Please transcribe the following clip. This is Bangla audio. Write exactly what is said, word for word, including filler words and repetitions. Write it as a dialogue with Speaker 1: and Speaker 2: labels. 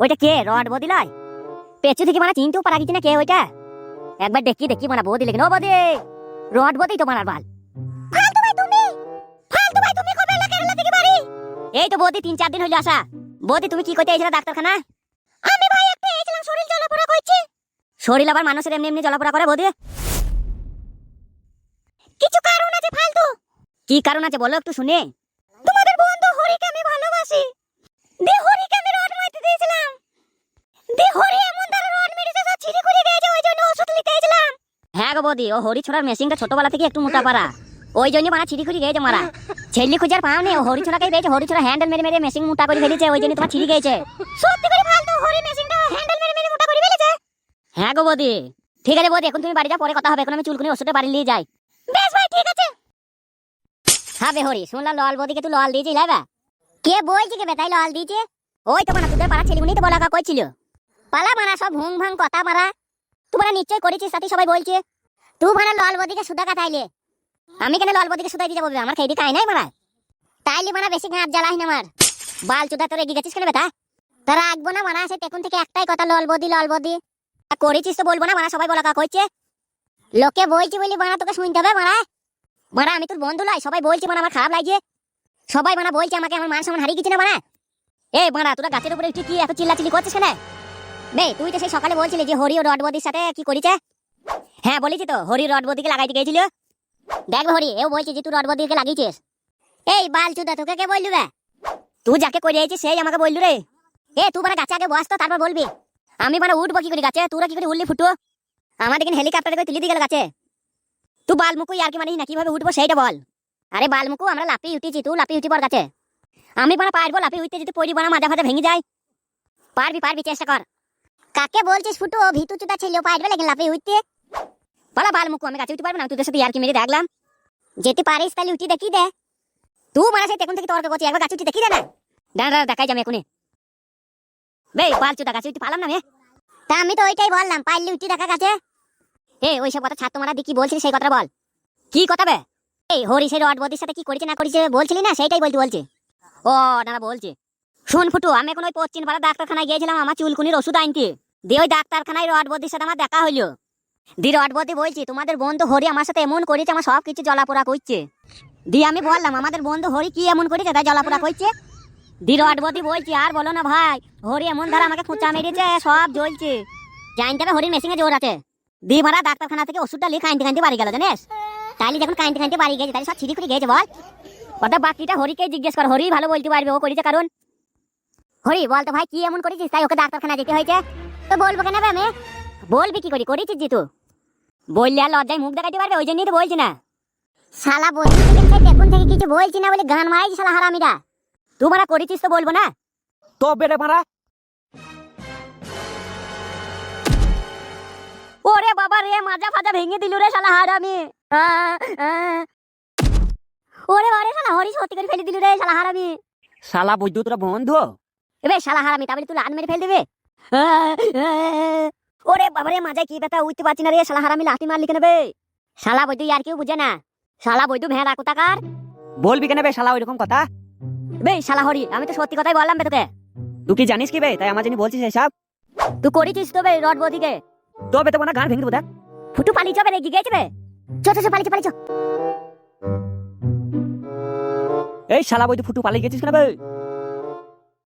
Speaker 1: ওইটা কে রড বদি লাই পেছু থেকে মানে চিনতেও পারা গেছি না কে ওইটা। একবার দেখি দেখি মানে বদি লেগে ও বদি রড বদি তো মারার বাল। ফালতু ভাই তুমি ফালতু ভাই তুমি কবে এলাকা এলা থেকে বাড়ি? এই তো বদি তিন চার দিন হইলো আসা। বদি তুমি কি কইতে আইছিলা ডাক্তারখানা? আমি ভাই একটা এইছিলাম শরীর জ্বলাপোড়া কইছে। শরীর আবার মানুষের এমনি এমনি জ্বলাপোড়া করে বদি? কিছু কারণ আছে ফালতু। কি কারণ আছে বলো একটু শুনি। তোমাদের বন্ধু হরিকে আমি ভালোবাসি। দে হরিকে আমি রড মারতে দিয়েছিলাম। দে হরি এমন দ্বারা রড মেরেছে সব ছিঁড়ে খুলে গেছে, ওই জন্য ওষুধ নিতে এসেছিলাম। হ্যাঁ গো বদি, ও হরি ছোড়ার মেশিনটা ছোটবেলা থেকে একটু মোটা পারা, ওই জন্য মারা ছিঁড়ে খুলে গেছে মারা। ছেলে খুঁজার পাও নেই, ও হরি ছোড়াকেই পেয়েছে। হরি ছোড়া হ্যান্ডেল মেরে মেরে মেশিন মোটা করে ফেলেছে, ওই জন্য তোমার ছিঁড়ে গেছে। সত্যি করে ফালতু হরি মেশিনটা হ্যান্ডেল মেরে মেরে মোটা করে ফেলেছে। হ্যাঁ গো বদি। ঠিক আছে বদি, এখন তুমি বাড়ি যাও, পরে কথা হবে। এখন আমি চুলকুনি ওষুধটা বাড়ি নিয়ে যাই। বেশ ভাই ঠিক আছে। হ্যাঁ বে হরি, শুনলাম লল বদিকে তুই লল দিয়েছিস লাইবা? কে বলছি কে বেটাই লল দিয়েছে? ওই তো মানা তোদের পাড়া ছেলেগুনি তো বলা কইছিল। পালা মারা সব ভুং ভাং কথা মারা। তোমরা নিশ্চয় করেছিস, সাথে সবাই বলছে। তুই মারা লল বদিকে সুদা কাটাইলে। আমি কেন লল বদিকে সুদাই দিয়ে যাবো? আমার খেয়ে খাই নাই মারা। তাইলে মারা বেশি ঘাট জ্বালাই না আমার বাল চুদা। তোর এগিয়ে গেছিস কেন বেটা? তারা আঁকবো না মারা, সে তখন থেকে একটাই কথা লল বদি লল বদি। করেছিস তো বলবো না মারা, সবাই বলা কইছে। লোকে বলছি বলি মারা তোকে শুনতে হবে মারা। মারা আমি তোর বন্ধু লাই, সবাই বলছে মানে আমার খারাপ লাগছে। সবাই মানে বলছে আমাকে, আমার মান সম্মান হারিয়ে গেছে না মারা। এই মারা তোরা গাছের উপরে উঠে কি এত চিল্লাচিল্লি করছিস কেন? বে তুই তো সেই সকালে বলছিলি যে হরি ও রডবদির সাথে কি করেছে। হ্যাঁ বলেছি তো, হরি রডবদিকে লাগাইতে গিয়েছিল। দেখ হরি, এও বলছি যে তুই রডবদিকে লাগিয়েছিস। এই বাল চুদা তোকে কে বললু বে? তুই যাকে করিয়েছিস সেই আমাকে বললু রে। এ তুই মানে গাছে আগে বস তো, তারপর বলবি। আমি মানে উঠবো কি করে গাছে? তোরা কি করে উঠলি ফুটো? আমাদের এখানে হেলিকপ্টারে করে তুলে দিয়ে গেল গাছে। তুই বালমুকু আর কি মানিস না, কিভাবে উঠবো সেইটা বল। আরে বালমুকু আমরা লাফিয়ে উঠেছি, তুই লাফিয়ে উঠি পর গাছে। আমি মানে পারবো লাফিয়ে উঠতে, যদি পড়ি বানা মাজা ফাজা ভেঙে যায়। পারবি পারবি, চেষ্টা কর। কাকে বলছিস ফুটু? ও ভিতু চুদা ছিল, পারবে লেকিন লাফিয়ে উঠতে। বলা বালমুকু আমি গাছে উঠতে পারবো না? তোদের সাথে আর কি মেরে দেখলাম। যেতে পারিস তাহলে উঠি দেখি দে। তুই মানে সেই তখন থেকে তর্ক করছিস, একবার গাছে উঠি দেখি দে না। দাঁড়া দাঁড়া দেখাই যাবে এখনই। বে বাল চুদা গাছে উঠতে পারলাম না মে। তা আমি তো ওইটাই বললাম, পারলে উঠি দেখা গাছে। এ ওইসব কথা ছাত্র মারা দি, কি বলছিস সেই কথা বল। কি কথা বে? এই হরি সেই রডবদির সাথে কি করেছে না করেছে বলছিলি না, সেইটাই বলতে বলছে। ও দাঁড়া বলছে। শোন ফুটু, আমি এখন ওই পশ্চিম পাড়া ডাক্তারখানায় গিয়েছিলাম আমার চুলকুনির ওষুধ আনতে। দিয়ে ওই ডাক্তারখানায় রডবদির সাথে আমার দেখা হইলো। দি রডবদি বলছি তোমাদের বন্ধু হরি আমার সাথে এমন করেছে, আমার সব কিছু জ্বলাপোড়া করছে। দিয়ে আমি বললাম আমাদের বন্ধু হরি কি এমন করেছে তাই জ্বলাপোড়া করছে? দি রডবদি বলছি আর বলো না ভাই, হরি এমন ধারা আমাকে খোঁচা মেরেছে, সব জ্বলছে। জানতে হবে হরির মেশিনে জোর আছে। দি মারা ডাক্তারখানা থেকে ওষুধটা লিয়ে কাইনতে কাইনতে বাড়ি গেল জানিস। তাইলে যখন কাইনতে কাইনতে বাড়ি গেছে তাহলে সব ছিড়ি খুঁড়ি গেছে বল। ওটা বাকিটা হরিকে জিজ্ঞেস কর, হরি ভালো বলতে পারবে ও করেছে কারণ। হরি বল তো ভাই কি এমন করেছিস তাই ওকে ডাক্তারখানা যেতে হয়েছে? তো বলবো কেন আমি? বলবি কি করি করেছিস জি তুই? বললে আর লজ্জায় মুখ দেখাতে পারবে, ওই জন্যই তো বলছি না। শালা বলছি দেখুন থেকে কিছু বলছি না বলে গান মারাইছি শালা হারামিরা। তুই মারা করেছিস তো বলবো না?
Speaker 2: তো বেড়ে মারা।
Speaker 1: ওরে বাবা রে, মাজা ফাজা ভেঙে দিল রে শালা হারামি। ওরে বারে শালা হরি সত্যি করে ফেলে দিল রে শালা হারামি।
Speaker 2: শালা বুঝতো তোরা বন্ধু।
Speaker 1: এবে শালা হারামি, তাহলে তুই লাত মেরে ফেল দিবে। ওরে বাবা রে, মাজায় কি ব্যথা, উঠতে পারছি না রে শালা হারামি, লাথি মারলি কেন বে? শালা বৈদ্য আর কেউ বুঝে না। শালা বৈদ্য ভেড়া কোথাকার।
Speaker 2: বলবি কেন বে শালা ওইরকম কথা?
Speaker 1: বে শালা হরি, আমি তো সত্যি কথাই বললাম বে তোকে।
Speaker 2: তুই কি জানিস কি বে তাই আমার জন্য বলছিস এসব?
Speaker 1: তুই করেছিস তো বে রডবদিকে।
Speaker 2: তো বে তো মানে গান ভেঙে দেবো দেখ।
Speaker 1: ফুটু পালিয়ে যাবে রে, গিয়েছে বে। চো চো পালিয়ে পালিয়ে।
Speaker 2: এই শালা বই তুই ফুটু পালিয়ে গেছিস কেন বে?